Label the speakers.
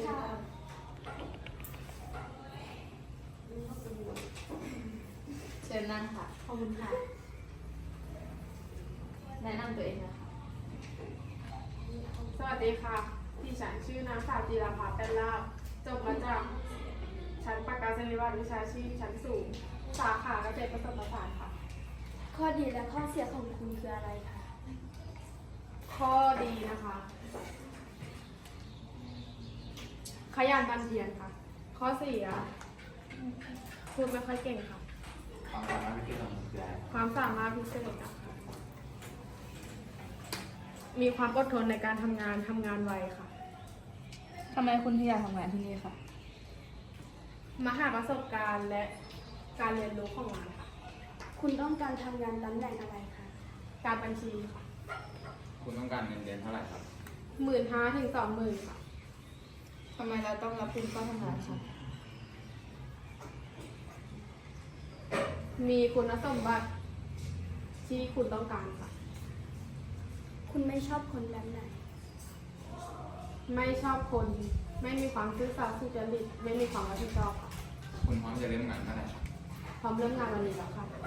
Speaker 1: ค่ะ
Speaker 2: เชิญนั่งค่ะ
Speaker 1: ขอบคุณค่ะ
Speaker 2: แนะนำตัวเองนะคะ
Speaker 3: สวัสดีค่ะดิฉันชื่อนางสาวจีราภาแป้นลาบจบมาจากชั้นประกาศนียบัตรวิชาชีพชั้นสูง สาขาเกษตรผสมผสานค่ะ
Speaker 1: ข้อดีและข้อเสียของคุณคืออะไรคะ
Speaker 3: ข้อดีนะคะ ขยันบันเทียนค่ะ ข้อเสียพูดไม่ค่อยเก่งค่ะ
Speaker 4: ความสามารถพิเศษของมันคืออะไร
Speaker 3: ความสามารถพิเศษอะค่ะมีความอดทนในการทำงานไวค่ะ
Speaker 2: ทำไมคุณถึงอยากทำงานที่นี่คะ
Speaker 3: มาหาประสบการณ์และการเรียนรู้ของงานค่ะ
Speaker 1: คุณต้องการทำงานตำแหน่งอะไรคะ
Speaker 3: การบัญชีค่ะ
Speaker 4: คุณต้องการเงินเดือนเท่าไหร่ครับ
Speaker 3: 15,000 ถึง 20,000 ค่ะ
Speaker 2: ทำไมเราต้องรับคุณเข้าทำงานคะ
Speaker 3: มีคุณสมบัติที่คุณต้องการค่ะ
Speaker 1: คุณไม่ชอบคนแบบไหน
Speaker 3: ไม่ชอบคน ไม่มีความซื่อสัตย์สุจริต ไม่มีความรับผิดชอบค่ะ
Speaker 4: คุณพร้อมจะเริ่มงานเมื่อไหร่ครับ
Speaker 3: พร้อมเริ่มงานวันนี้แล้วค่ะ